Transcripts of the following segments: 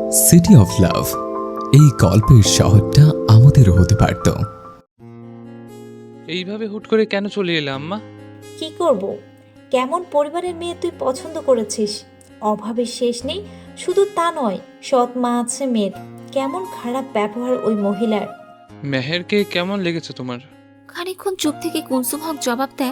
City of love, এই গল্পের শহরটা আমাদেরও হতে পারত। এইভাবে হুট করে কেন চলে এলে আম্মা? কি করব? কেমন পরিবারের মেয়ে তুই পছন্দ করেছিস? অভাবের শেষ নেই। শুধু তা নয়, সৎ মা আছে মেয়ের। কেমন খারাপ ব্যবহার ওই মহিলার। মেহেরকে কেমন লেগেছে তোমার? খানিকক্ষণ চুপ থেকে কুলসুম হক জবাব দেন,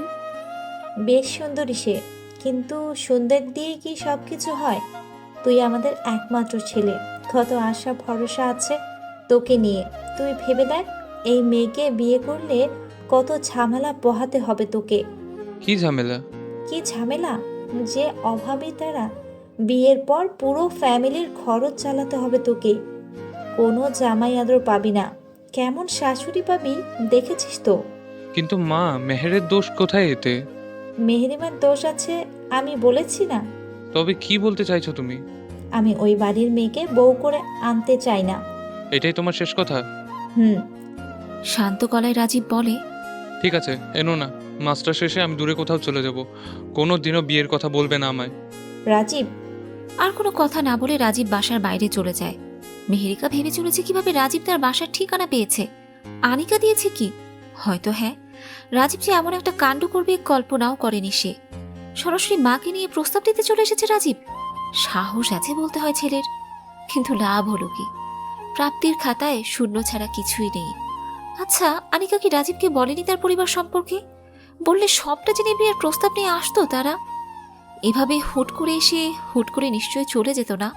বেশ সুন্দরী সে, কিন্তু সুন্দর দিয়ে কি সব কিছু হয়? তুই আমাদের একমাত্র ছেলে, কত আশা ভরসা আছে তোকে নিয়ে। তুই ভেবে দেখ, এই মেয়েকে বিয়ে করলে কত ঝামেলা পোহাতে হবে তোকে। কি ঝামেলা? কি ঝামেলা? যে অভাবী তারা, বিয়ের পর পুরো ফ্যামিলির খরচ চালাতে হবে তোকে। কোনো জামাই আদর পাবি না, কেমন শাশুড়ি পাবি দেখেছিস তো। কিন্তু মা, মেহেরের দোষ কোথায় এতে? মেহেরিমার দোষ আছে আমি বলেছি না? তবে কি বলতে চাইছো তুমি? আমি ওই বাড়ির মেয়েকে বউ করে আনতে চাই না। এটাই তোমার শেষ কথা? হুম। শান্ত গলায় রাজীব বলে, ঠিক আছে, এনো না। মাস্টার শেষে আমি দূরে কোথাও চলে যাব। কোনো দিনও বিয়ের কথা বলবে না আমায়। রাজীব। আর কোনো কথা না বলে রাজীব বাসার বাইরে চলে যায়। মেহেরিকা ভেবে চলেছে কিভাবে রাজীব তার বাসার ঠিকানা পেয়েছে। আনিকা দিয়েছে কি? হয়তো হ্যাঁ। রাজীব যে এমন একটা কাণ্ড করবে কল্পনাও করেনি সে। সরাসরি মাকে নিয়ে প্রস্তাব দিতে চলে এসেছে রাজীব। সাহস আছে বলতে হয় ছেলের, কিন্তু লাভ হলো কি? প্রাপ্তির খাতায় শূন্য ছাড়া কিছুই নেই। আচ্ছা, আনিকা কি রাজীবকে বলেনি তার পরিবার সম্পর্কে? বললে সবটা জেনে বিয়ের প্রস্তাব নিয়ে আসতো তারা। এভাবে হুট করে এসে হুট করে নিশ্চয়ই চলে যেত না।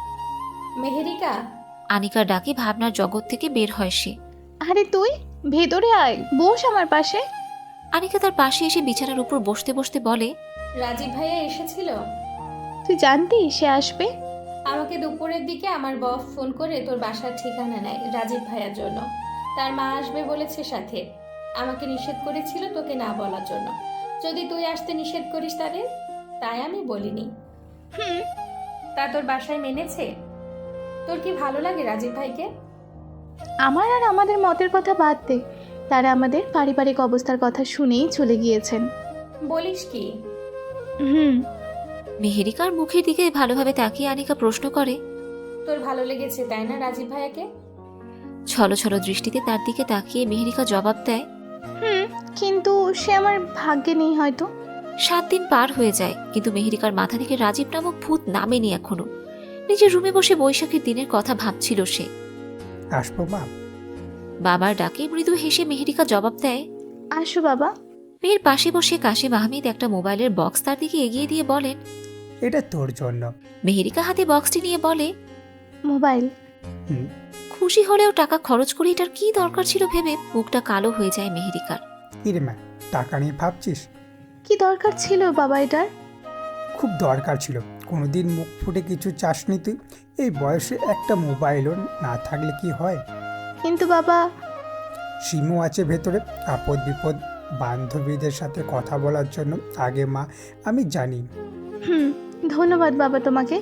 মেহেরিকা। আনিকার ডাকে ভাবনার জগৎ থেকে বের হয় সে। আরে তুই ভেতরে আয়, বস আমার পাশে। আনিকা তার পাশে এসে বিছানার উপর বসতে বসতে বলে, রাজীব ভাইয়া এসেছিল। তুই জানতি সে আসবে? আমাকে দুপুরের দিকে আমার বস ফোন করে তোর বাসার ঠিকানা নেয় রাজীব ভাইয়ার জন্য। তার মা আসবে বলেছে সাথে। আমাকে নিষেধ করেছিল তোকে না বলার জন্য, যদি তুই আসতে নিষেধ করিস তাদের। তাই আমি বলিনি। হুম। তা তোর বাসায় মেনেছে? তোর কি ভালো লাগে রাজীব ভাইকে? আমার আর আমাদের মতের কথা বাদ দে, তারা আমাদের পারিবারিক অবস্থার কথা শুনেই চলে গিয়েছেন। বলিস কি? হুম। মেহেরিকার মুখের দিকে ভালোভাবে তাকিয়ে আনিকা প্রশ্ন করে। তোর ভালো লেগেছে তাই না রাজীব ভাইয়াকে? ছলো ছলো দৃষ্টিতে তার দিকে তাকিয়ে মেহেরিকা জবাব দেয়, হুম, কিন্তু সে আমার ভাগ্যে নেই হয়তো। 7 দিন পার হয়ে যায়, কিন্তু মেহেরিকার মাথা থেকে রাজীব নামক ভূত নামেনি এখনো। নিজের রুমে বসে বৈশাখীর দিনের কথা ভাবছিল সে। আসবো মা? বাবার ডাকে মৃদু হেসে মেহেরিকা জবাব দেয়, আসো বাবা। মেয়ের পাশে বসে কাশিম আহমেদ একটা মোবাইলের বক্স তার দিকে এগিয়ে দিয়ে বলেন। এটা তোর জন্য। মেহেরিকা হাতে বক্সটি নিয়ে বলে, মোবাইল? হুম। খুশি হলেও টাকা খরচ করে এটার কি দরকার ছিল ভেবে মুখটা কালো হয়ে যায় মেহেরিকার। কিরে মা, টাকা নিয়ে ভাবছিস? কি দরকার ছিল বাবা এটার? খুব দরকার ছিল। কোনোদিন মুখ ফুটে কিছু চাসনি তুই? এই বয়সে একটা মোবাইলও না থাকলে কি হয়? কিন্তু বাবা। সিমও আছে ভেতরে, আপদ বিপদ বান্ধবীদের সাথে কথা বলার জন্য। আগে মা, আমি জানি। হুম, ধন্যবাদ বাবা তোমাকে।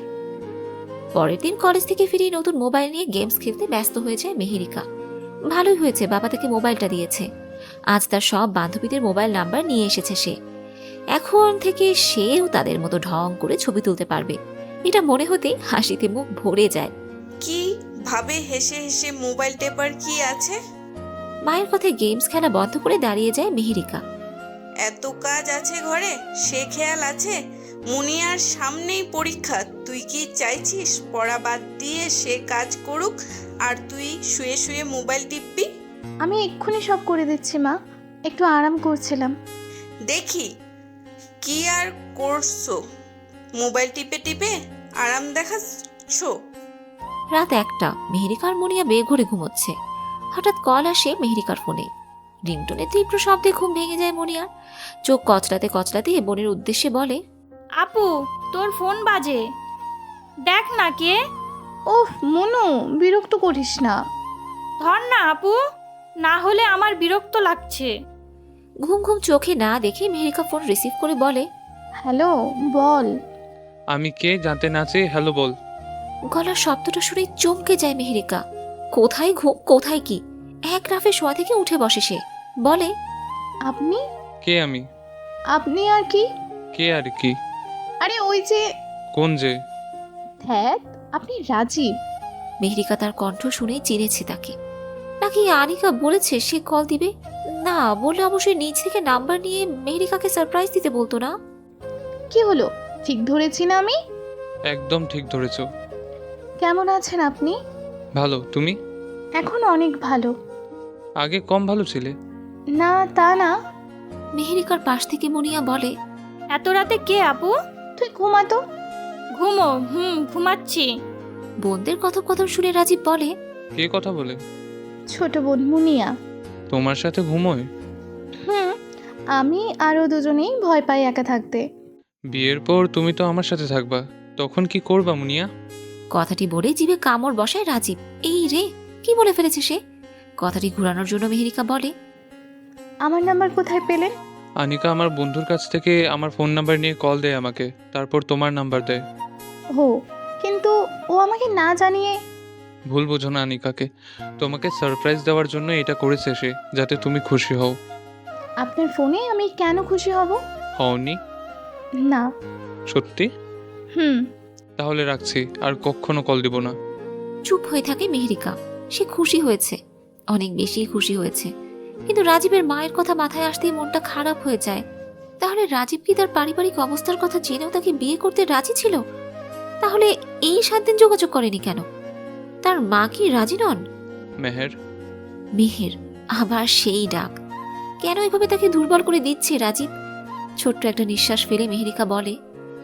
পরের দিন কলেজ থেকে ফিরে নতুন মোবাইল নিয়ে গেমস খেলতে ব্যস্ত হয়ে যায় মেহেরিকা। ভালোই হয়েছে বাবা তাকে মোবাইলটা দিয়েছে। আজ তার সব বান্ধবীদের মোবাইল নাম্বার নিয়ে এসেছে সে। এখন থেকে সেও তাদের মতো ঢং করে ছবি তুলতে পারবে। এটা মনে হতেই হাসিতে মুখ ভরে যায়। কি ভাবে হেসে হেসে মোবাইল টেপার কি আছে? মায়ের কথায় গেমস খেলা বন্ধ করে দাঁড়িয়ে যায় মেহেরিকা। এত কাজ আছে ঘরে, সে খেয়াল আছে? মুনিয়ার সামনেই পরীক্ষা, তুই কি চাইছিস পড়া বাদ দিয়ে সে কাজ করুক আর তুই শুয়ে শুয়ে মোবাইল টিপবি? আমি এক্ষুনি সব করে দিচ্ছি মা, একটু আরাম করছিলাম। দেখি কি আর করছো, মোবাইল টিপে টিপে আরাম দেখাচ্ছ। রাত 1টা, মেহেরিকার মুনিয়া বেঘরে ঘুমোচ্ছে। হঠাৎ কল আসে মেহেরিকার ফোনে। রিংটোনে তীব্র শব্দে ঘুম ভেঙে যায় মুনিয়ার। চোখ কচলাতে কচলাতে বোনের উদ্দেশ্যে বলে, আপু, তোর ফোন বাজে, দেখ না কে। ওহ মনু, বিরক্ত করিস না। ধর না আপু, না হলে আমার বিরক্ত লাগছে। ঘুম ঘুম চোখে না দেখে মেহেরিকা ফোন রিসিভ করে বলে, হ্যালো, বল। আমি কে জানতে না চেয়ে হ্যালো বল। গলার শব্দটা শুনে চমকে যায় মেহেরিকা। কোথায় ঘুম কোথায় কি, এক রাফে শোয়া থেকে উঠে বসে সে। বলে, আপনি? কে আমি? আপনি আর কি? কে আর কি? আরে ওই যে। কোন যে? ধ্যাত, আপনি রাজীব। মেহেরিকা তার কণ্ঠ শুনেই চিনেছে তাকে। নাকি আনিকা বলেছে সে কল দিবে? না, বললে অবশ্যই নিজ থেকে নাম্বার নিয়ে মেহেরিকাকে সারপ্রাইজ দিতে বলতো না। কি হলো, ঠিক ধরেছি না আমি? একদম ঠিক ধরেছো। কেমন আছেন আপনি? ভালো, তুমি? এখন অনেক ভালো। আগে কম ভালো ছিলে। না তা না। মেহেরিকার পাশ থেকে মুনিয়া বলে, এত রাতে কে আপু? তুই ঘুমাতো। ঘুমো? ঘুমাচ্ছি। বোনদের কথোপকথন শুনে রাজীব বলে, কে কথা বলে? ছোট বোন মুনিয়া। তোমার সাথে ঘুমোয়? আমি আরও দুজনেই ভয় পাই একা থাকতে। বিয়ের পর তুমি তো আমার সাথে থাকবা, তখন কি করবা মুনিয়া? কথাটি বলে জিভে কামড় বসায় রাজীব। এই রে, কি বলে ফেলেছে সে? কথাটি ঘুরানোর জন্য মেহেরিকা বলে, আমার নাম্বার কোথায় পেলেন? আনিকা আমার বন্ধুর কাছ থেকে আমার ফোন নাম্বার নিয়ে কল দেয় আমাকে, তারপর তোমার নাম্বার দেয়। ও, কিন্তু ও আমাকে না জানিয়ে। ভুল বোঝো না আনিকাকে, তোমাকে সারপ্রাইজ দেওয়ার জন্য এটা করেছে সে, যাতে তুমি খুশি হও। আপনার ফোনে আমি কেন খুশি হব? হওনি? না। সত্যি? তাহলে রাখছি, আর কখনো কল দিব না। চুপ হয়ে থাকে মেহেরিকা। সে খুশি হয়েছে, অনেক বেশি খুশি হয়েছে, কিন্তু রাজীবের মায়ের কথা মাথায় আসতেই মনটা খারাপ হয়ে যায়। তাহলে রাজীব কি তার পারিবারিক অবস্থার কথা জেনেও তাকে বিয়ে করতে রাজি ছিল? তাহলে এই 7 দিন যোগাযোগ করেনি কেন? তার মা কি রাজি নন? মেহের। মেহের, আবার সেই ডাক। কেন এভাবে তাকে দুর্বল করে দিচ্ছে রাজীব? ছোট্ট একটা নিঃশ্বাস ফেলে মেহেরিকা বলে,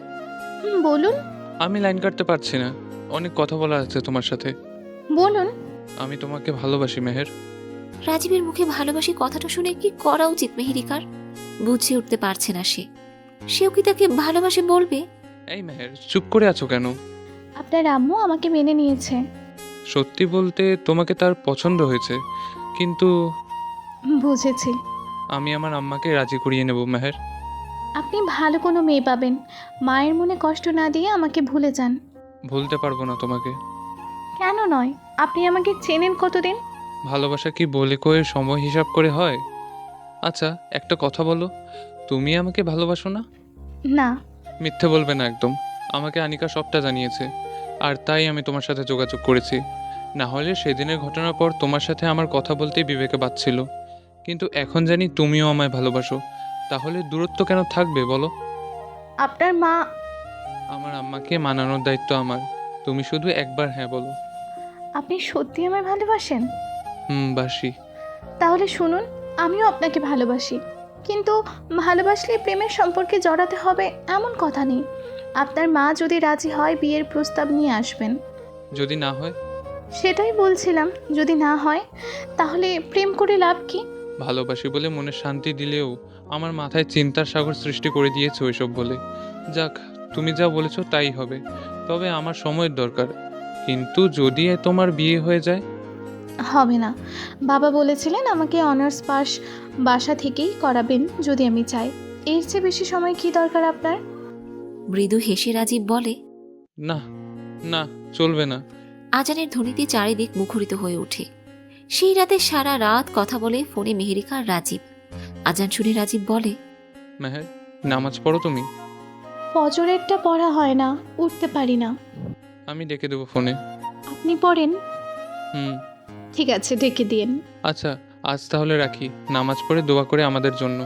বলুন। আমি লাইন কাটতে পারছি না, অনেক কথা বলা আছে তোমার সাথে। বলুন। আমি তোমাকে ভালোবাসি মেহের। রাজীবের মুখে ভালোবাসি কথাটা শুনে কি করা উচিত মেহেরিকার? বুঝে উঠতে পারছে না সে। সেও কি তাকে ভালোবাসে বলবে? এই মেহের, চুপ করে আছো কেন? আপনার আম্মু আমাকে মেনে নিয়েছে। সত্যি বলতে তোমাকে তার পছন্দ হয়েছে, কিন্তু বুঝেছি। আমি আমার আম্মাকে রাজি করিয়ে নেব মেহের। আপনি ভালো কোনো মেয়ে পাবেন, মায়ের মনে কষ্ট না দিয়ে আমাকে ভুলে যান। ভুলতে পারবো না তোমাকে। কেন নয়? আপনি আমাকে চেনেন কতদিন? ভালোবাসা কি বলে কয়ে সময় হিসাব করে হয়? আচ্ছা, একটা কথা বলো, তুমি আমাকে ভালোবাসো না? না। মিথ্যে বলবে না একদম। আমাকে আনিকা সবটা জানিয়েছে, আর তাই আমি তোমার সাথে যোগাযোগ করেছি। না হলে সেদিনের ঘটনার পর তোমার সাথে আমার কথা বলতেই বিবেকে বাজছিল। কিন্তু এখন জানি তুমিও আমায় ভালোবাসো, তাহলে দূরত্ব কেন থাকবে বলো? আপনার মা। আমার আম্মাকে মানানোর দায়িত্ব আমার। তুমি শুধু একবার হ্যাঁ বলো। আপনি সত্যি আমায় ভালোবাসেন? বাসি। তাহলে শুনুন, আমিও আপনাকে ভালোবাসি, কিন্তু ভালোবাসলে প্রেমের সম্পর্কে জড়াতে হবে এমন কথা নেই। আপনার মা যদি রাজি হয় বিয়ের প্রস্তাব নিয়ে আসবেন। যদি না হয়? সেটাই বলছিলাম, যদি না হয় তাহলে প্রেম করে লাভ কি? ভালোবাসি বলে মনে শান্তি দিলেও আমার মাথায় চিন্তার সাগর সৃষ্টি করে দিয়েছে ওইসব বলে। যাক, তুমি যা বলেছো তাই হবে, তবে আমার সময়ের দরকার। কিন্তু যদি তোমার বিয়ে হয়ে যায়? হবে না। বাবা বলেছিলেন আমাকে অনার্স পাস বাসা থেকেই করাবেন যদি আমি চাই। এর চেয়ে বেশি সময় কি দরকার আপনার? মৃদু হেসে রাজীব বলে, না না, চলবে না। আজানের ধ্বনিতে চারিদিক মুখরিত হয়ে ওঠে। সেই রাতে সারা রাত কথা বলে ফোনে মেহেরিকা আর রাজীব। আজান শুনে রাজীব বলে, মেহের, নামাজ পড়ো তুমি? ফজরেরটা পড়া হয় না, উঠতে পারি না। আমি ডেকে দেবো ফোনে। আপনি পড়েন? হুম। ঠিক আছে, ডেকে দিন। আচ্ছা, আজ তাহলে রাখি। নামাজ পড়ে দোয়া করে আমাদের জন্য।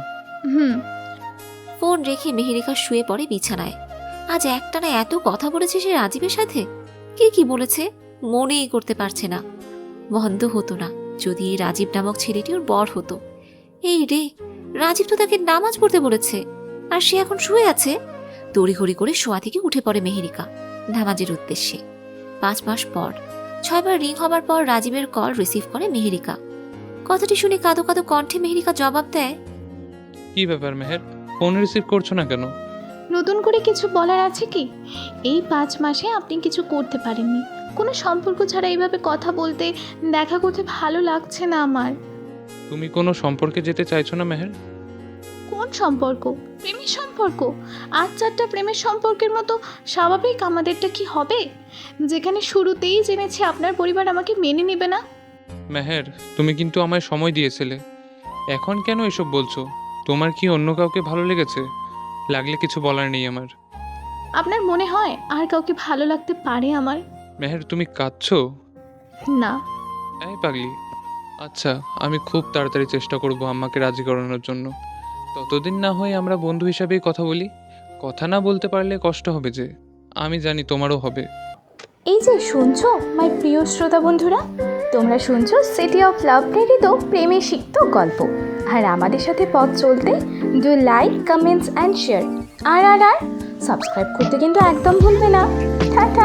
ফোন রেখে মেহেরিকা শুয়ে পড়ে বিছানায়। আজ একটানা এত কথা বলেছে সে রাজীবের সাথে। কে কি বলেছে মনেই করতে পারছে না। বন্ধ হতো না যদি এই রাজীব নামক ছেলেটি ওর বর হতো। এই রে, রাজীব তো তাকে নামাজ পড়তে বলেছে, আর সে এখন শুয়ে আছে। তড়িঘড়ি করে শোয়া থেকে উঠে পড়ে মেহেরিকা নামাজের উদ্দেশ্যে। 5 মাস পর 6 বার রিং হবার পর রাজীবের কল রিসিভ করে মেহেরিকা। কথাটি শুনে কাঁদো কাঁদো কণ্ঠে মেহেরিকা জবাব দেয়, কি ব্যাপার মেহের, ফোন রিসিভ করছো না কেন? নতুন করে কিছু বলার আছে কি? এই 5 মাসে আপনি কিছু করতে পারেননি। কোনো সম্পর্ক ছাড়া এইভাবে কথা বলতে, দেখা করতে ভালো লাগছে না আমার। তুমি কোনো সম্পর্কে যেতে চাইছো না মেহের? কোন সম্পর্ক? প্রেমের সম্পর্ক? 8-4টা প্রেমের সম্পর্কের মতো স্বাভাবিক আমাদেরটা কি হবে, যেখানে শুরুতেই জেনেছি আপনার পরিবার আমাকে মেনে নেবে না? মেহের, তুমি কিন্তু আমায় সময় দিয়েছিলে, এখন কেন এসব বলছো? তোমার কি অন্য কাউকে ভালো লেগেছে? লাগলে কিছু বলার নেই আমার। আপনার মনে হয় আর কাউকে ভালো লাগতে পারে আমার? মেহের, তুমি কাঁদছো? না। এই পাগলি, আচ্ছা আমি খুব তাড়াতাড়ি চেষ্টা করব আম্মাকে রাজি করানোর জন্য। ততদিন না হয় আমরা বন্ধু হিসাবেই কথা বলি। কথা না বলতে পারলে কষ্ট হবে যে, আমি জানি তোমারও হবে। এই যে শুনছো মাই প্রিয় শ্রোতা বন্ধুরা, তোমরা শুনছো সিটি অফ লাভ প্রেরিত প্রেমে সিক্ত গল্প। আর আমাদের সাথে পথ চলতে do like, comments and share. আর সাবস্ক্রাইব করতে কিন্তু একদম ভুলবে না। টাটা।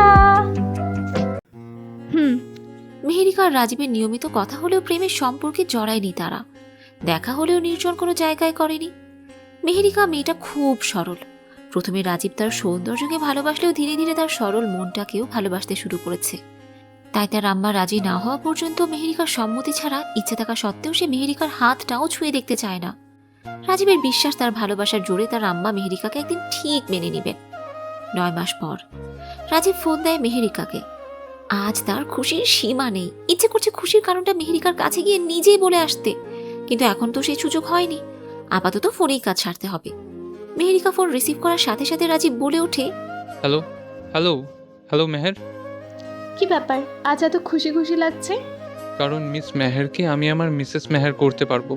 মেহেরিকা আর রাজীবের নিয়মিত কথা হলেও প্রেমের সম্পর্কে জড়ায়নি তারা। দেখা হলেও নির্জন কোনো জায়গায় করেনি। মেহেরিকা মেয়েটা খুব সরল। প্রথমে রাজীব তার সৌন্দর্যকে ভালোবাসলেও ধীরে ধীরে তার সরল মনটাকেও ভালোবাসতে শুরু করেছে। তাই তার আম্মা রাজি না হওয়া পর্যন্ত মেহেরিকার সম্মতি ছাড়া ইচ্ছে থাকা সত্ত্বেও সে মেহেরিকার হাতটাও ছুঁয়ে দেখতে চায় না। রাজীবের বিশ্বাস তার ভালোবাসার জোরে তার আম্মা মেহেরিকাকে একদিন ঠিক মেনে নেবেন। 9 মাস পর রাজীব ফোন দেয় মেহেরিকাকে। আজ তার খুশির সীমা নেই। ইচ্ছে করছে খুশির কারণটা মেহেরিকার কাছে গিয়ে নিজেই বলে আসতে, কিন্তু এখন তো সেই সুযোগ হয়নি। আপাতত ফোনেই কাজ সারতে হবে। মেহেরিকা ফোন রিসিভ করার সাথে সাথে রাজীব বলে ওঠে, হ্যালো হ্যালো হ্যালো মেহের। কি ব্যাপার, আজ এত খুশি খুশি লাগছে? কারণ মিস মেহেরকে আমি আমার মিসেস মেহের করতে পারবো।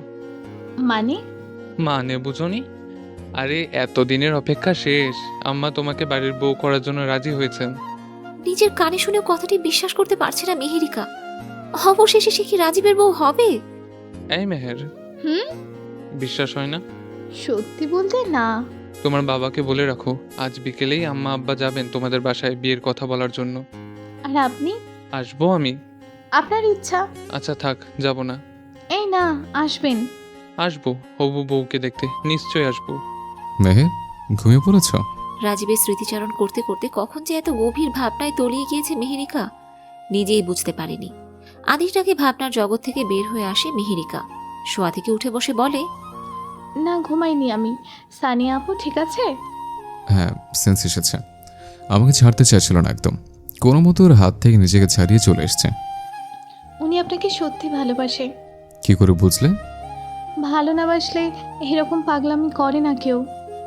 মানে বুঝোনি? আরে এতদিনের অপেক্ষা শেষ। আম্মা তোমাকে বাড়ির বউ করার জন্য রাজি হয়েছেন। নিজের কানে শুনেও কথাটি বিশ্বাস করতে পারছে না মেহেরিকা। অবশেষে সে কি রাজীবের বউ হবে? এই মেহের, বিশ্বাস হয় না? সত্যি বলতে না। তোমার বাবাকে বলে রাখো আজ বিকেলেই আম্মা আব্বা যাবেন তোমাদের বাসায় বিয়ের কথা বলার জন্য। আর আপনি? আসবো আমি। আপনার ইচ্ছা। আচ্ছা থাক, যাব না। এই না, আসবেন। আসবো হবু বউকে দেখতে, নিশ্চয়ই আসবো। মেহের, ঘুমিয়ে পড়েছ? রাজীবের স্মৃতিচারণ করতে করতে কখন যে এত গভীর ভাবনায় তলিয়ে গিয়েছে মেহেরিকা নিজেই বুঝতে পারেনি। আদিটাকে ভাবনার জগৎ থেকে বের হয়ে আসে মেহেরিকা। শোয়া থেকে উঠে বসে বলে, না, ঘুমাইনি আমি। সানিয়া আপু ঠিক আছে? হ্যাঁ, সেন্স এসেছে। আমাকে ছাড়তে চাইছিল না একদম, কোনো মতো ওর হাত থেকে নিজেকে ছাড়িয়ে চলে এসছে। উনি আপনাকে সত্যি ভালোবাসে। কি করে বুঝলে? ভালো না বাসলে এরকম পাগলামি করে না কেউ।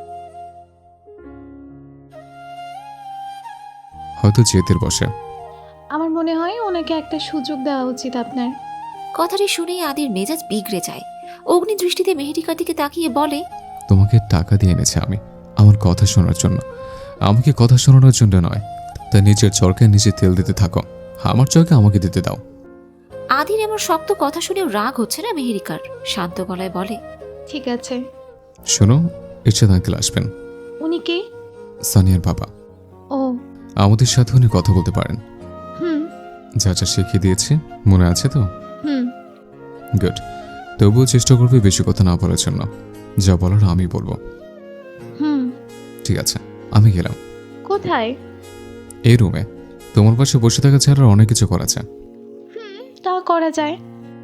হয়তো জেদের বসে। আমার মনে হয় ওনাকে একটা সুযোগ দেওয়া উচিত আপনার। কথাটি শুনেই আদির মেজাজ বিগড়ে যায়। অগ্নি দৃষ্টিতে মেহেরিকার দিকে তাকিয়ে বলে, তোমাকে টাকা দিয়ে এনেছে আমি আমার কথা শোনার জন্য, আমাকে কথা শোনানোর জন্য নয়। তাই নিজের চরকায় নিজে তেল দিতে থাকো, আমার চরকা আমাকে দিতে দাও। আদির এমন শক্ত কথা শুনেও রাগ হচ্ছে না মেহেরিকার। শান্ত গলায় বলে, ঠিক আছে। শোনো, ইরশাদ আঙ্কেল আসবেন। উনি কে? সানিয়ার বাবা। ও, আমাদের সাথে উনি কথা বলতে পারেন। হুম যা যা শিখিয়ে দিয়েছি মনে আছে তো? Hmm good. তবুও চেষ্টা করবে বেশি কথা না বলার জন্য। যা বলার আমি বলবো। হুম ঠিক আছে, আমি গেলাম। কোথায়? এই রুমে। তোমার পাশে বসে থাকা ছাড়া অনেক কিছু করা যায়। তা করা যায়।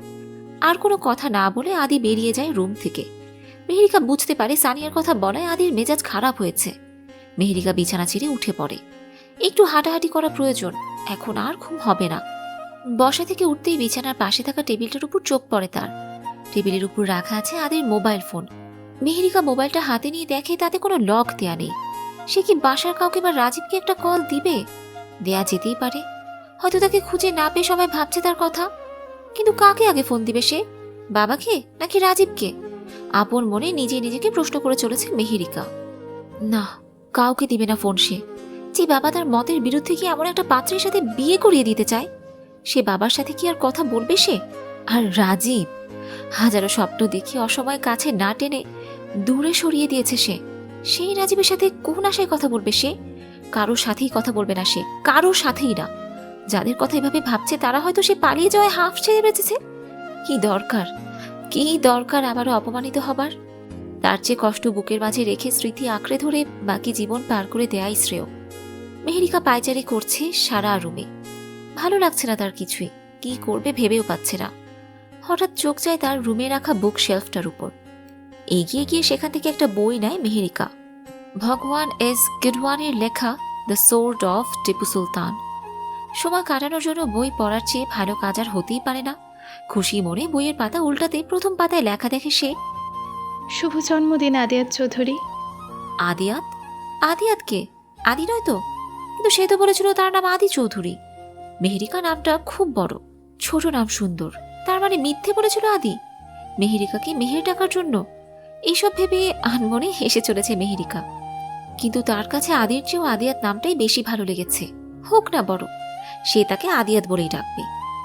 আর কোনো কথা না বলে আদি বেরিয়ে যায় রুম থেকে। মেহেরিকা বুঝতে পারে সানিয়ার কথা বলায় আদির মেজাজ খারাপ হয়েছে। মেহেরিকা বিছানা ছেড়ে উঠে পড়ে। একটু হাঁটাহাঁটি করা প্রয়োজন, এখন আর ঘুম হবে না। বসা থেকে উঠতেই বিছানার পাশে থাকা টেবিলটার উপর চোখ পড়ে তার। টেবিলের উপর রাখা আছে আদির মোবাইল ফোন। মেহেরিকা মোবাইলটা হাতে নিয়ে দেখে তাতে কোনো লক দেয়া নেই। সে কি বাসার কাউকে বা রাজীবকে একটা কল দিবে? দেয়া যেতেই পারে, হয়তো তাকে খুঁজে না পেয়ে সবাই ভাবছে তার কথা। কিন্তু কাকে আগে ফোন দিবে সে? বাবাকে নাকি রাজীবকে? আপন মনে নিজে নিজেকে প্রশ্ন করে চলেছে মেহেরিকা। না, কাউকে দিবে না ফোন সে। যে বাবা তার মতের বিরুদ্ধে কি এমন একটা পাত্রের সাথে বিয়ে করিয়ে দিতে চায়, সে বাবার সাথে কি আর কথা বলবে সে? আর রাজীব, হাজারো স্বপ্ন দেখে অসময় কাছে না টেনে দূরে সরিয়ে দিয়েছে সে। সেই রাজীবের সাথে কোন আশায় কথা বলবে সে? কারোর সাথেই কথা বলবে না সে, কারোর সাথেই না। যাদের কথা এভাবে ভাবছে তারা হয়তো সে পালিয়ে যাওয়ায় হাফ ছেড়ে বেঁচেছে। কি দরকার, কি দরকার আবারও অপমানিত হবার? তার চেয়ে কষ্ট বুকের মাঝে রেখে স্মৃতি আঁকড়ে ধরে বাকি জীবন পার করে দেয়াই শ্রেয়। মেহেরিকা পায়চারি করছে সারা রুমে। ভালো লাগছে না তার কিছুই, কি করবে ভেবেও পাচ্ছে না। হঠাৎ চোখ যায় তার রুমে রাখা বুক শেলফটার উপর। এগিয়ে গিয়ে সেখান থেকে একটা বই নেয় মেহেরিকা। ভগবান এস গিডওয়ানের লেখা the sword of Tipu Sultan. সময় কাটানোর জন্য বই পড়ার চেয়ে ভালো কাজ আর হতেই পারে না। খুশি মনে বইয়ের পাতা উল্টাতে প্রথম পাতায় লেখা দেখে সে, শুভ জন্মদিন আদিয়াত চৌধুরী। আদিয়াত? আদিয়াত কে? আদি নয় তো? কিন্তু সে তো বলেছিল তার নাম আদি চৌধুরী। মেহেরিকা নামটা খুব বড়, ছোট নাম সুন্দর, তার মানে মিথ্যে বলেছিল আদি মেহেরিকাকে মেহের ডাকার জন্য। এইসব ভেবে আনমনে হেসে চলেছে মেহেরিকা। কিন্তু তার কাছে আদির চেয়েও আদিয়াত নামটাই বেশি ভালো লেগেছে। হোক না বড়, সে তাকে আদিয়াত বলেই ডাকবে।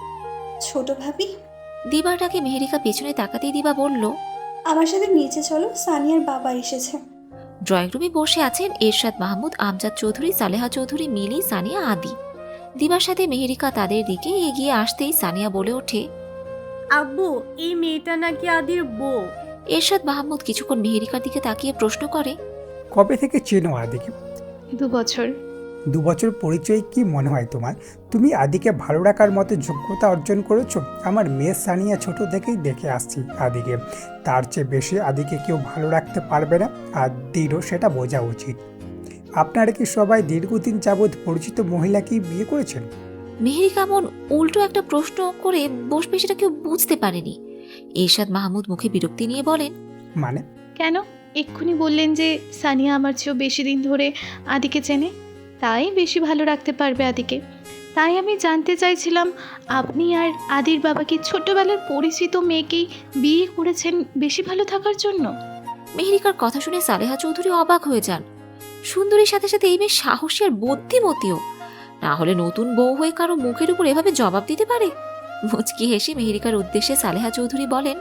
ছোট ভাবি, দিবার ডাকে মেহেরিকা পেছনে তাকাতেই দিবা বলল, আমার সাথে নিচে চলো, সানিয়ার বাবা এসেছে। ড্রয়িং রুমে বসে আছেন এরশাদ মাহমুদ, আমজাদ চৌধুরী, সালেহা চৌধুরী, মিলি, সানিয়া, আদি। দিবার সাথে মেহেরিকা তাদের দিকে এগিয়ে আসতেই সানিয়া বলে ওঠে, আব্বু, এই মেয়েটা নাকি আদির বউ। এরশাদ মাহমুদ কিছুক্ষণ মেহেরিকার দিকে তাকিয়ে প্রশ্ন করে, কবে থেকে চেনো আদিকে? 2 বছর। 2 বছর পরিচয়, কি মনে হয় তোমার? তুমি আদিকে ভালো রাখার মতো যোগ্যতা অর্জন করেছো? আমার মেয়ে সানিয়া ছোট থেকেই দেখে আসছি আদিকে। তার চেয়ে বেশি আদিকে কেউ ভালো রাখতে পারবে না, আর দিরও সেটা বোঝা উচিত। আপনারা কি সবাই দীর্ঘদিন যাবৎ পরিচিত মহিলাকেই বিয়ে করেছেন? মেহেরিকা এমন উল্টো একটা প্রশ্ন করে বসবে সেটা কেউ বুঝতে পারেনি। এরশাদ মাহমুদ মুখে বিরক্তি নিয়ে বলেন, মানে? কেন? এক্ষুনি বললেন যে সানিয়া আমার চেয়েও বেশি দিন ধরে আদিকে চেনে, তাই বেশি ভালো রাখতে পারবে আদিকে। তাই আমি জানতে চাইছিলাম, আপনি আর আদির বাবা কি ছোট্টবেলার পরিচিত মেয়েকেই বিয়ে করেছেন বেশি ভালো থাকার জন্য? মেহেরিকার কথা শুনে সালেহা চৌধুরী অবাক হয়ে যান। সুন্দরীর সাথে সাথে এই মেয়ে সাহসী আর বুদ্ধিমতীও, না হলে নতুন বউ হয়ে কারো মুখের উপর এভাবে জবাব দিতে পারে। মুচকি হেসে মেহেরিকার উদ্দেশ্যে সালেহা চৌধুরী বলেন,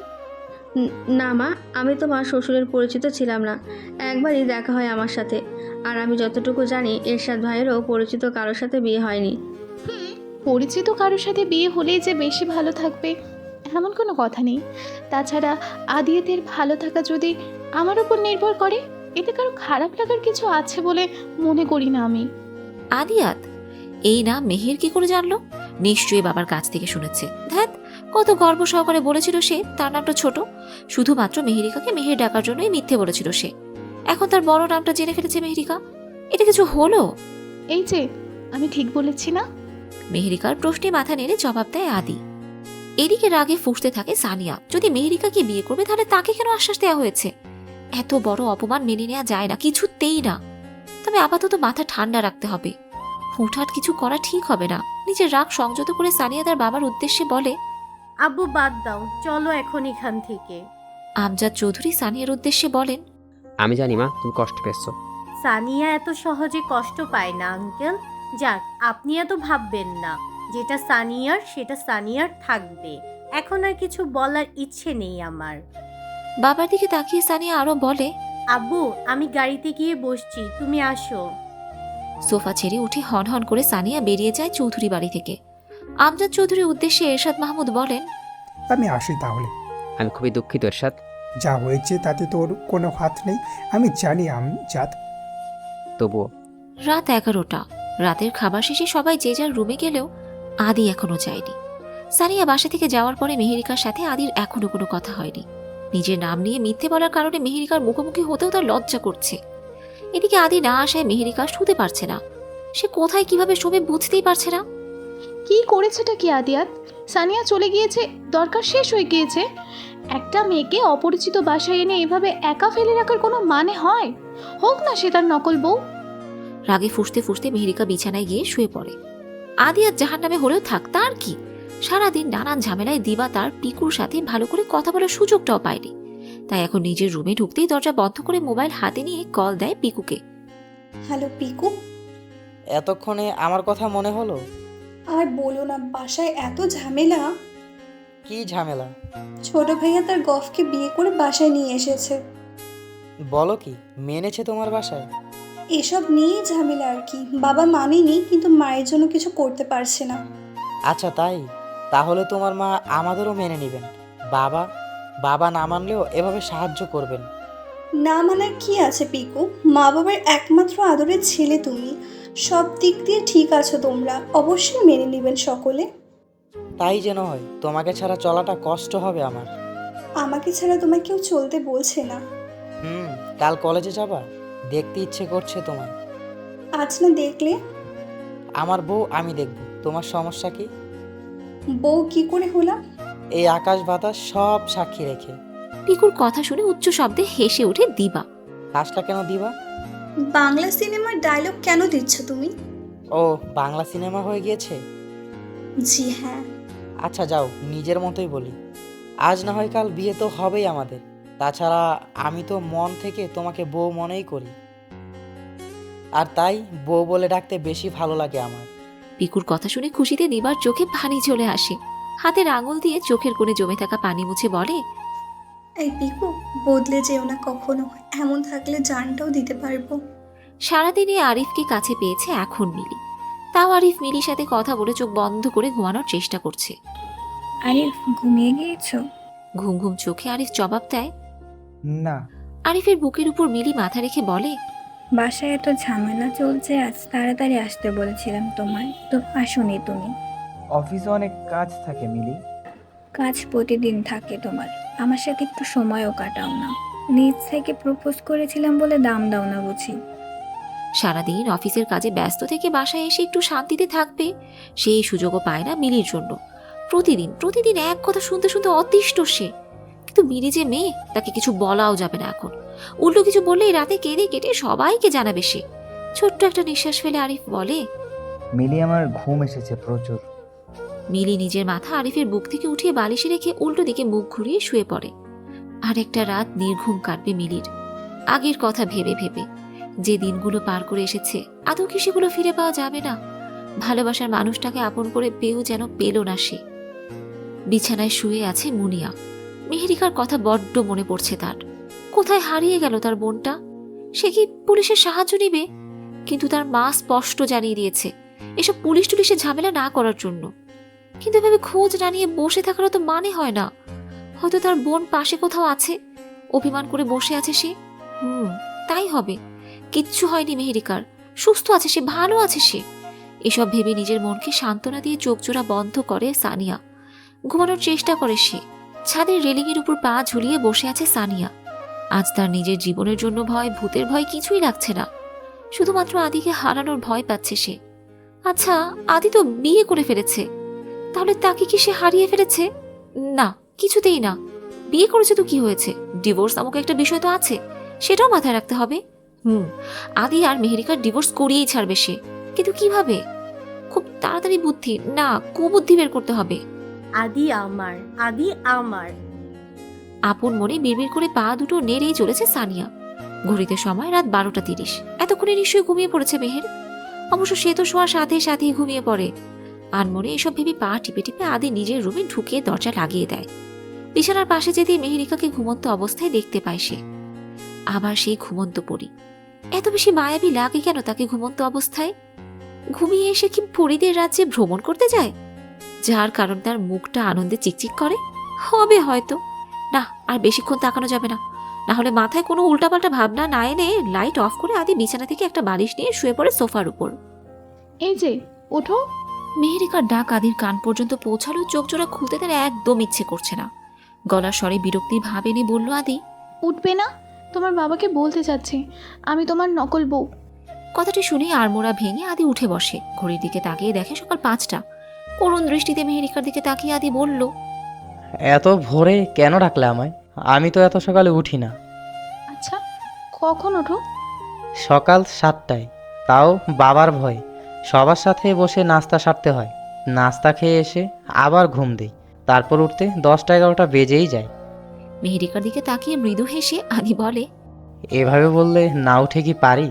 না মা, আমি তো মা শ্বশুরের পরিচিত ছিলাম না, একবারই দেখা হয় আমার সাথে। আর আমি যতটুকু জানি এরশাদ ভাইয়েরও পরিচিত কারোর সাথে বিয়ে হয়নি। পরিচিত কারোর সাথে বিয়ে হলেই যে বেশি ভালো থাকবে এমন কোনো কথা নেই। তাছাড়া আদিয়াতের ভালো থাকা যদি আমার উপর নির্ভর করে, এতে কারো খারাপ লাগার কিছু আছে বলে মনে করি না আমি। আদিয়াত এই নাম মেহের কি করে জানলো? নিশ্চয়ই বাবার কাছ থেকে শুনেছে। ধ্যাত, কত গর্ব সহকারে বলেছিল সে তার নামটা ছোট, শুধুমাত্র মেহেরিকাকে মেহের ডাকার জন্যই মিথ্যে বলেছিল সে। এখন তার বড় নামটা জেনে ফেলেছে মেহেরিকা। এটা কিছু হলো? এই যে, আমি ঠিক বলেছি না? মেহেরিকার প্রশ্নে মাথা নেড়ে জবাব দেয় আদি। এদিকে রাগে ফুঁসতে থাকে সানিয়া। যদি মেহেরিকাকে বিয়ে করবে তাহলে তাকে কেন আশ্বাস দেওয়া হয়েছে? এত বড় অপমান মেনে নেওয়া যায় না, কিছুতেই না। তবে আপাতত মাথা ঠান্ডা রাখতে হবে, হুটহাট কিছু করা ঠিক হবে না। নিজের রাগ সংযত করে সানিয়া তার বাবার উদ্দেশ্যে বলে, আব্বু বাদ দাও, চলো এখন এখান থেকে। আমজাদ চৌধুরী সানিয়ার উদ্দেশ্যে বলেন, আমি জানি মা তুমি কষ্ট পেয়েছো। সানিয়া এত সহজে কষ্ট পায় না আঙ্কেল। যাক, আপনি এত ভাববেন না। যেটা সানিয়ার সেটা সানিয়ার থাকবে। এখন আর কিছু বলার ইচ্ছে নেই আমার। বাবার দিকে তাকিয়ে সানিয়া আরো বলে, আব্বু, আমি গাড়িতে গিয়ে বসছি, তুমি আসো। সোফা ছেড়ে উঠে হন হন করে সানিয়া বেরিয়ে যায় চৌধুরী বাড়ি থেকে। আমজাদ চৌধুরীর উদ্দেশ্যে এরশাদ মাহমুদ বলেন, আমি আসি তাহলে। আমি খুবই দুঃখিত এরশাদ। যা হয়েছে তাতে তোর কোনো হাত নেই, আমি জানি আমজাদ। তবুও রাত 11টা। রাতের খাবার শেষে সবাই যে যার রুমে গেলেও আদি এখনো যায়নি। সানিয়া বাসা থেকে যাওয়ার পরে মেহেরিকার সাথে আদির এখনো কোনো কথা হয়নি। নিজের নাম নিয়ে মিথ্যে বলার কারণে মেহেরিকার মুখোমুখি হতেও তার লজ্জা করছে। এদিকে আদি না আসায় মেহেরিকা শুতে পারছে না। সে কোথায় কিভাবে শোবে বুঝতেই পারছে না। কি করেছেটা কি আদিয়াত? সানিয়া চলে গিয়েছে, দরকার শেষ হয়ে গিয়েছে। একটা মেয়েকে অপরিচিত বাসায় এনে এভাবে একা ফেলে রাখার কোনো মানে হয়? হোক না সে তার নকল বউ। রাগে ফুঁসতে ফুঁসতে মেহেরিকা বিছানায় গিয়ে শুয়ে পড়ে। আদিয়াত জাহান্নামে হলেও থাক, তার কি? সারাদিন নানান ঝামেলায় দিবা তার পিকুর সাথে ভালো করে কথা বলার সুযোগটাও পায়নি। তাই এখন নিজের রুমে ঢুকতেই দরজা বন্ধ করে মোবাইল হাতে নিয়ে কল দেয় পিকুকে। হ্যালো পিকু। এতক্ষণে আমার কথা মনে হলো? আর বলো না, বাসায় এত ঝামেলা। কি ঝামেলা? ছোট ভাইয়া তার গফকে বিয়ে করে বাসায় নিয়ে এসেছে। বলো কি, মেনেছে তোমার বাসায়? এসব নিয়েই ঝামেলা আর কি। বাবা মানেনি, কিন্তু মায়ের জন্য কিছু করতে পারছে না। আচ্ছা তাই? তাহলে তোমার মা আমাদেরও মেনে নেবেন। বাবা বাবা না মানলেও এভাবে সাহায্য করবেন। না মানার কি আছে পিকু? মা বাবার একমাত্র আদরের ছেলে তুমি, সব দিক দিয়ে ঠিক আছো তোমরা, অবশ্যই মেনে নেবেন সকলে। তাই যেন হয়। তোমাকে ছাড়া চলাটা কষ্ট হবে আমার। আমাকে ছাড়া তোমায় কেউ চলতে বলছে না। কাল কলেজে যাবা? দেখতে ইচ্ছে করছে তোমার। আজ না দেখলে? আমার বউ আমি দেখব, তোমার সমস্যা কি? বউ কি করে হলাম? এই আকাশ বাতাস সব সাক্ষী রেখে। পিকুর কথা শুনে উচ্চ শব্দে হেসে ওঠে দিবা। হাসটা কেন দিবা? বাংলা সিনেমার ডায়লগ কেন দিচ্ছ তুমি? ও, বাংলা সিনেমা হয়ে গিয়েছে? জি হ্যাঁ। আচ্ছা যাও, নিজের মতোই বলি। আজ না হয় কাল বিয়ে তো হবেই আমাদের। তাছাড়া আমি তো মন থেকে তোমাকে বউ মনেই করি, আর তাই বউ বলে ডাকতে বেশি ভালো লাগে আমার। পিকুর কথা শুনে খুশিতে নিবার চোখে পানি চলে আসে। হাতের আঙুল দিয়ে চোখের কোণে জমে থাকা পানি মুছে বলে, এই পিকু, বদলে যেও না কখনো, এমন থাকলে জানটাও দিতে পারবো। সারাদিনে আরিফকে কাছে পেয়েছে এখন মিলি। তাও আরিফ মিলির সাথে কথা বলে চোখ বন্ধ করে ঘুমানোর চেষ্টা করছে। আরিফ, ঘুমিয়ে গিয়েছো? ঘুম ঘুম চোখে আরিফ জবাব দেয়, না। আরিফের বুকের উপর মিলি মাথা রেখে বলে, বাসায় এত ঝামেলা চলছে, আজ তাড়াতাড়ি আসতে বলেছিলাম তোমায়, তো আসোনি তুমি। অফিসে অনেক কাজ থাকে মিলি। কাজ প্রতিদিন থাকে তোমার, আমার সাথে একটু সময়ও কাটাও না। নিজ থেকে প্রপোজ করেছিলাম বলে দাম দাও না বুঝি। সারাদিন অফিসের কাজে ব্যস্ত থেকে বাসায় এসে একটু শান্তিতে থাকবে সেই সুযোগও পায় না মিলির জন্য। প্রতিদিন প্রতিদিন এক কথা শুনতে শুনতে অতিষ্ঠ সে। কিন্তু মিলি যে মেয়ে, তাকে কিছু বলাও যাবে না এখন। উল্টো কিছু বললেই রাতে কেঁদে কেটে সবাইকে জানাবে সে। ছোট্ট একটা নিঃশ্বাস ফেলে আরিফ বলে, মিলি আমার ঘুম এসেছে প্রচুর। মিলি নিজের মাথা আরিফের বুক থেকে উঠিয়ে বালিশে রেখে উল্টো দিকে মুখ ঘুরিয়ে শুয়ে পড়ে। আর একটা রাত নির্ঘুম কাটবে মিলির, আগের কথা ভেবে ভেবে। যে দিনগুলো পার করে এসেছে আদৌ কি সেগুলো ফিরে পাওয়া যাবে না? ভালোবাসার মানুষটাকে আপন করে পেয়েও যেন পেল না সে। বিছানায় শুয়ে আছে মুনিয়া। মেহেরিকার কথা বড্ড মনে পড়ছে তার। কোথায় হারিয়ে গেল তার বোনটা? সে কি পুলিশের সাহায্য নিবে? কিন্তু তার মা স্পষ্ট জানিয়ে দিয়েছে এসব পুলিশ টুলিশের ঝামেলা না করার জন্য। কিন্তু এভাবে খোঁজ না নিয়ে বসে থাকারও তো মানে হয় না। হয়তো তার বোন পাশে কোথাও আছে, অভিমান করে বসে আছে সে। তাই হবে। কিচ্ছু হয়নি মেহেরিকার, সুস্থ আছে সে, ভালো আছে সে। এসব ভেবে নিজের মনকে সান্ত্বনা দিয়ে চোখ জোড়া বন্ধ করে সানিয়া। ঘুমানোর চেষ্টা করে সে। ছাদের রেলিংয়ের উপর পা ঝুলিয়ে বসে আছে সানিয়া। আজ তার নিজের জীবনের জন্য ভয়, ভূতের ভয় কিছুই লাগছে না। শুধুমাত্র আদিকে হারানোর ভয় পাচ্ছে সে। আচ্ছা, আদি তো বিয়ে করে ফেলেছে, তাহলে তাকে কি সে হারিয়ে ফেলেছে? না, কিছুতেই না। বিয়ে করেছে তো কি হয়েছে? ডিভোর্স নামক একটা বিষয় তো আছে, সেটাও মাথায় রাখতে হবে। আদি আর মেহেরিকার ডিভোর্স করিয়েই ছাড়বে সে। কিন্তু কিভাবে? খুব তাড়াতাড়ি বুদ্ধি না, কুবুদ্ধি বের করতে হবে। আদি আমার, আদি আমার। আপন মনে বিড়বিড় করে পা দুটো নেড়েই চলেছে সানিয়া। ঘড়িতে সময় রাত 12:30। এতক্ষণে নিশ্চয়ই ঘুমিয়ে পড়েছে মেহের। অবশ্য সে তো শোয়ার সাথে সাথেই ঘুমিয়ে পড়ে। আনমনে এসব ভেবে পা টিপে টিপে আদি নিজের রুমে ঢুকিয়ে দরজা লাগিয়ে দেয়। বিছানার পাশে যেতেই মেহেরিকাকে ঘুমন্ত অবস্থায় দেখতে পায় সে। আবার সেই ঘুমন্ত পরী। এত বেশি মায়াবী লাগে কেন তাকে ঘুমন্ত অবস্থায়? ঘুমিয়ে এসে কি পরীদের রাজ্যে ভ্রমণ করতে যায়, যার কারণ তার মুখটা আনন্দে চিকচিক করে? হবে হয়তো। না, আর বেশিক্ষণ তাকানো যাবে না, না হলে মাথায় কোনো উল্টাপাল্টা ভাবনা না এনে লাইট অফ করে আদি বিছানা থেকে একটা বালিশ নিয়ে শুয়ে পড়ে সোফার উপর। এই যে ওঠো। মেহেরিকার ডাক আদির কান পর্যন্ত পৌঁছালো। চোখ জোড়া খুলতে তার একদম ইচ্ছে করছে না। গলার স্বরে বিরক্তির ভাব এনে বলল, আদি উঠবে না? তোমার বাবাকে বলতে চাচ্ছি আমি তোমার নকল বউ। কথাটি শুনে আড়মোড়া ভেঙে আদি উঠে বসে। ঘড়ির দিকে তাকিয়ে দেখে সকাল 5টা। করুণ দৃষ্টিতে মেহেরিকার দিকে তাকিয়ে আদি বলল, এত ভোরে কেন ডাকলে আমায়? আমি তো এত সকালে উঠি না। আচ্ছা, কখন ওঠো? সকাল 7টায়, তাও বাবার ভয়। সবার সাথে বসে নাস্তা সারতে হয়। নাস্তা খেয়ে এসে আবার ঘুম দিই, তারপর উঠতে 10টা-11টা বেজেই যায়। মেহেরিকার দিকে তাকিয়ে মৃদু হেসে আদি বলে, এভাবে বললে না উঠে কি পারি?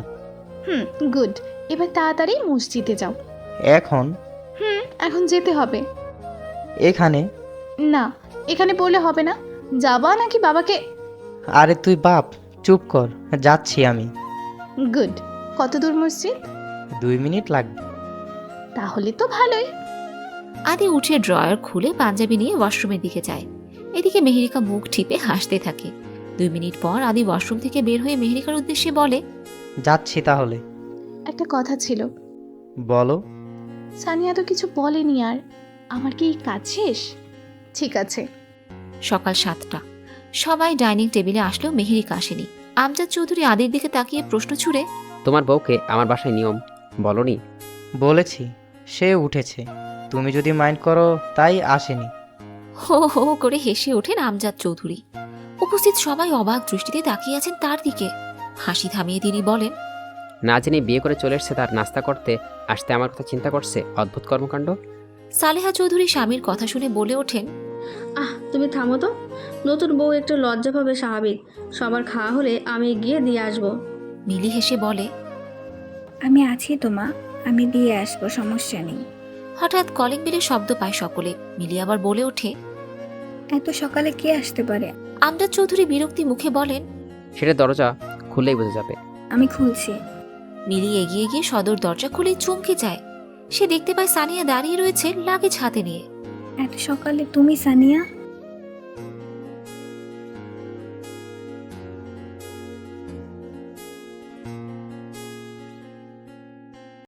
গুড। এবার তাড়াতাড়ি মসজিদে যাও। এখন? এখন যেতে হবে। এখানে? না, এখানে পড়লে হবে না। যাবা নাকি বাবাকে? আরে তুই বাপ, চুপ কর, যাচ্ছি আমি। গুড। কত দূর মসজিদ? 2 মিনিট লাগবে। তাহলে তো ভালোই। আদি উঠে ড্রয়ার খুলে পাঞ্জাবি নিয়ে ওয়াশরুমের দিকে যায়। এদিকে মেহেরিকা মুখ টিপে হাসতে থাকে। 2 মিনিট পর আদি ওয়াশরুম থেকে বের হয়ে মেহেরিকার উদ্দেশ্যে বলে, যাচ্ছি তাহলে। একটা কথা ছিল। বলো। সানিয়া তো কিছু বলেনি আর। আমার কি কাজ শেষ? ঠিক আছে। সকাল 7টা। সবাই ডাইনিং টেবিলে আসলেও মেহেরিকা আসেনি। আমজাদ চৌধুরী আদির দিকে তাকিয়ে প্রশ্ন ছুড়ে, তোমার বউকে আমার বাসায় নিয়ম বলনি? বলেছি, সে উঠেছে। তুমি যদি মাইন্ড করো তাই আসেনি। হো হো করে হেসে ওঠেন আমজাদ চৌধুরী। উপস্থিত সবাই অবাক দৃষ্টিতে তাকিয়ে আছেন তার দিকে। হাসি থামিয়ে তিনি বলেন, না জেনে বিয়ে করে চলে এসছে তার নাস্তা করতে আসতে আমার কথা চিন্তা করছে? অদ্ভুত কর্মকাণ্ড। সালেহা চৌধুরী স্বামীর কথা শুনে বলে ওঠেন, তুমি থামো তো। নতুন বউ একটু লজ্জা পাবে স্বাভাবিক। সবার খাওয়া হলে আমি গিয়ে দিয়ে আসবো। মিলি হেসে বলে, আমি আছি তো মা, আমি দিয়ে আসবো, সমস্যা নেই। হঠাৎ কলিং বেলের শব্দ পায় সকলে। মিলি আবার বলে ওঠে, এত সকালে কে আসতে পারে? আমজাদ চৌধুরী বিরক্তি মুখে বলেন, সেটা দরজা খুললেই বোঝা যাবে। আমি খুলছি। মিলি এগিয়ে গিয়ে সদর দরজা খুলে চমকে যায়। সে দেখতে পায় সানিয়া দাঁড়িয়ে রয়েছে লাগেজ হাতে নিয়ে। এত সকালে তুমি সানিয়া?